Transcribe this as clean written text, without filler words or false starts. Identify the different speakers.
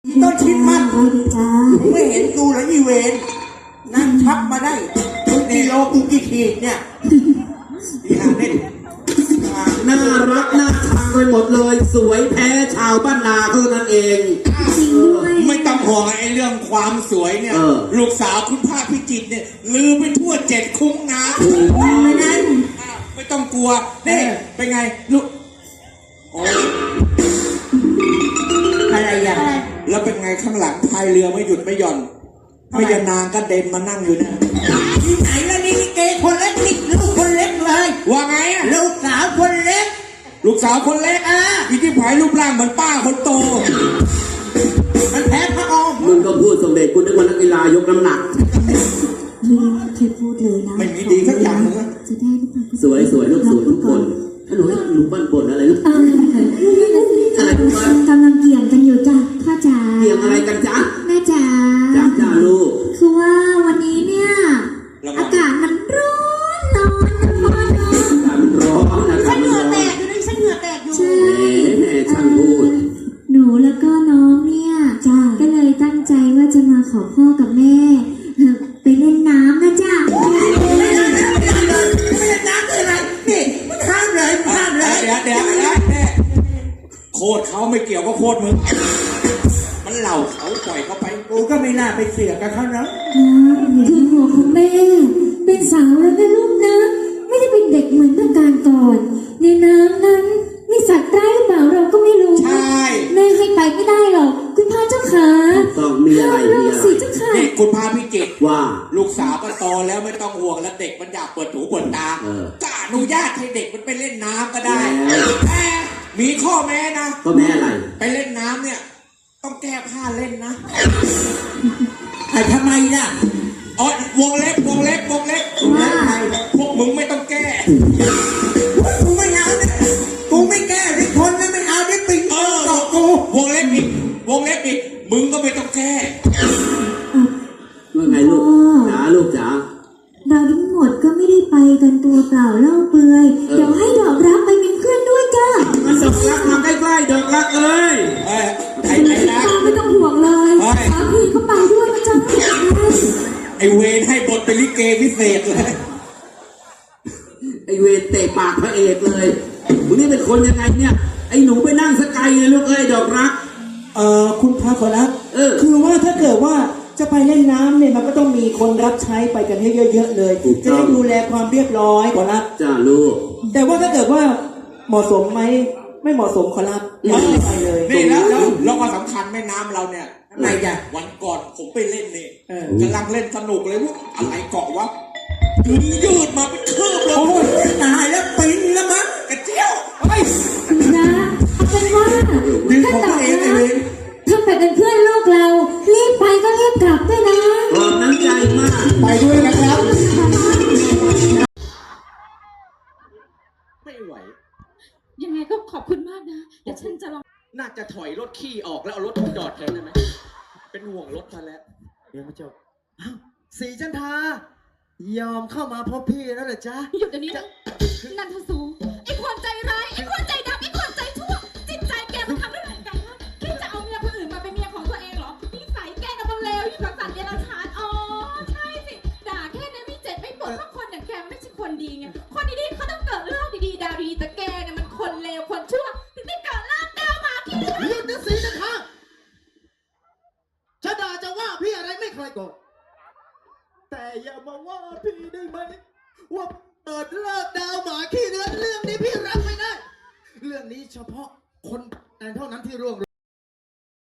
Speaker 1: ต้นชิดมัน
Speaker 2: ไปดีจ้า
Speaker 1: มึงไม่เห็นกูเหรออีเวนนั่งชักมาได้ทุกกิโลกูกี่ขีดเนี่ยดีอ่ะเล่น
Speaker 3: น่ารักน่าชังไปหมดเลยสวยแพ้ชาวบ้านนาเท่านั้นเอง
Speaker 2: จริงด้วย
Speaker 1: ไม่ต้องห่วงไอ้เรื่องความสวยเนี่ยลูกสาวคุณภาคพิจิตรเนี่ยลือไปทั่ว7 คุ้งนะไม่นั้นไม่ต้องกลัวนี่เป็นไงลูกโอ้อะไรอ่ะแล้วเป็นไงข้างหลังพายเรือไม่หยุดไม่หย่อนไม่ยานางก็เด็นมานั่งอยู่เนี่ยที่ไหนแล้วนี่เกคนเล็กนี่ลูกคนเล็กเลยว่าไงอ่ะลูกสาวคนเล็กลูกสาวคนเล็กอีที่ผายรูปร่างเหมือนป้าคนโตมันแพ้พระอม
Speaker 3: มึงก็พูดสมเด็จกูนึกว่านักกีฬายกน้ำหนัก
Speaker 2: ไม่เคยพูดเลยนะ
Speaker 1: ไม่มีดีสักอย่างเลย
Speaker 2: จะได้หรือเปล่า
Speaker 3: สวยสวยลูกสวยทุกคนถ้าหนูให้หนูบ้านบนอะไรลูกอะไรลูก
Speaker 2: กำลังเกี่ยงกันอยู่จ้ะพ่อจ๋า
Speaker 3: เกี่ยงอะไรกันจ๊ะ
Speaker 2: แม่จ๋า
Speaker 3: จ้าลูก
Speaker 2: คือว่าวันนี้เนี่ยอากาศมันร้อนนะพ่อเนาะ
Speaker 3: อากาศมันร้อนนะ
Speaker 1: ฉันเหงื่อแตกอยู่นี่ฉันเหงื่อแตกอยู่
Speaker 2: ใช่
Speaker 3: ช่างพูด
Speaker 2: หนูแล้วก็น้องเนี่ยจ้าก็เลยตั้งใจว่าจะมาขอพ่อกับแม่ไปเล่นน้ำนะจ้า
Speaker 1: ไม่เล่นน้ำคืออะไรนี่มันข้ามเลยเดี๋ยวโคตรเขาไม่เกี่ยวก็โคตรมึงมันเหล่าเขาปล่อยเขาไปกูก็ไม่น่าไปเสียกับเขานะ
Speaker 2: ถึงหัวของแม่เป็นสาวแล้วนะลูกนะไม่ได้เป็นเด็กเหมือนเมื่อการก่อนในน้ำนั้นมีสัตว์ร้ายหรือเปล่าเราก็ไม่รู้
Speaker 1: ใช่
Speaker 2: แม่ให้ไปไม่ได้หรอกคุณพ่อเจ้าขา
Speaker 3: ต้องมีอะไร
Speaker 2: เนี่ยสิเจ้าค่ะ
Speaker 1: นี่คุณพาพิจิตร
Speaker 3: ว่า
Speaker 1: ลูกสาวก็โตแล้วไม่ต้องห่วงแล้วเด็กมันอยากเปิดหูเปิดตาก็อนุญาตให้เด็กมันไปเล่นน้ำก็ได้แต่มีข้อแม้นะ
Speaker 3: ข้อแม้อะไร
Speaker 1: ไปเล่นน้ำเนี่ยต้องแก้ผ้าเล่นนะทำไมล่ะอ๋อวงเล็บพวกมึงไม่ต้องแก้กูไม่เอาเนี่ยกูไม่แก้ที่คนนะไม่เอาที่ปิงเกาะกูวงเล็บอีกมึงก็ไม่ต้องแก้
Speaker 3: ว่าไงลูกจ๋าลูกจ๋า
Speaker 2: เราทั้งหมดก็ไม่ได้ไปกันตัวเปล่าเล่าเปลือยเดี๋ยวให้ดอกรักไปเป็นเพื่อนด้วยจ้า
Speaker 3: มันดอกรักมาใกล้ๆดอกรักเอ้ย
Speaker 1: ไอ้นะ
Speaker 2: ไม่ต้องห่วงเลยสามีเขาไปด้วยนะจ๊ะ
Speaker 1: ไอเวนให้บทเป็นลิเกพิเศษเลย
Speaker 3: ไอเวนเตะปากพระเอกเลยมึงนี่เป็นคนยังไงเนี่ยไอหนูไปนั่งสกายเลยลูกเอ้ยดอกรัก
Speaker 4: คุณพระขอรับคือว่าถ้าเกิดว่าจะไปเล่นน้ำเนี่ยมันก็ต้องมีคนรับใช้ไปกันเยอะๆเลยจะได้ดูแลความเรียบร้อยขอรับ
Speaker 3: จ้าลูก
Speaker 4: แต่ว่าถ้าเกิดว่าเหมาะสมไหมไม่เหมาะสมขอรับไม่ไปเลย
Speaker 1: นี่แล้วก็สำคัญแม่น้ำเราเนี่ยไงจ้ะวันก่อนผมไปเล่นนี่กำลังเล่นสนุกเลยว่าอะไรเกาะวะยืดมาเป็นคืบเลยโอ้ยตายแล้วปินแล้วมั้งกระเจียวไป
Speaker 2: นะเอาเป็นว่า
Speaker 1: ถ้าต่อนะ
Speaker 2: ถ้าไปเป็นเพื่อนลูกเรารีบไปก็รีบกลับด้วยนะ
Speaker 3: ขอบน้ำใจมาก
Speaker 1: ไปด้วยนะครับ
Speaker 5: ไม่ไหวยังไงก็ขอบคุณมากนะเดี๋ยวฉันจะลอง
Speaker 1: น่าจะถอยรถขี้ออกแล้วเอารถจอดแทนได้ไหมเป็นห่วงรถทันแล้ว
Speaker 4: เดี๋ยวมาจบสีจันทายอมเข้ามาพบพี่แล้วเหรอจ๊ะ
Speaker 5: หยุดเดี๋ยวนี้นะนันทสูไอ้คนใจร้ายไอ้คนใจดำไอ้คนใจชั่วจิตใจแกมันทำได้เหมือนกันนะคิดจะเอาเมียคนอื่นมาเป็นเมียของตัวเองเหรอนิสัยแกน่ะมันเลวยิ่งกว่าสัตว์เดรัจฉานอ๋อใช่สิด่าแค่นี้ไม่เจ็บไม่ปวดเพราะคนอย่างแกมันไม่ใช่คนดีไงคนดีๆเขาต้องเกิดเรื่องดีๆดาวดีแต่แกเนี่ยมันคนเลวคนชั่วถึงได้เกิดเรื่องดาวมาขี้ด้วย
Speaker 4: หยุดนะสีจันทาจะด่าจะว่าพี่อะไรไม่เคยโกรธแต่อย่ามาว่าพี่ได้ไหมว่าเปิดเลิกดาวหมาขี้เนื้อเรื่องนี้พี่รับไม่ได้เรื่องนี้เฉพาะคนนั้นเท่านั้นที่ร่วง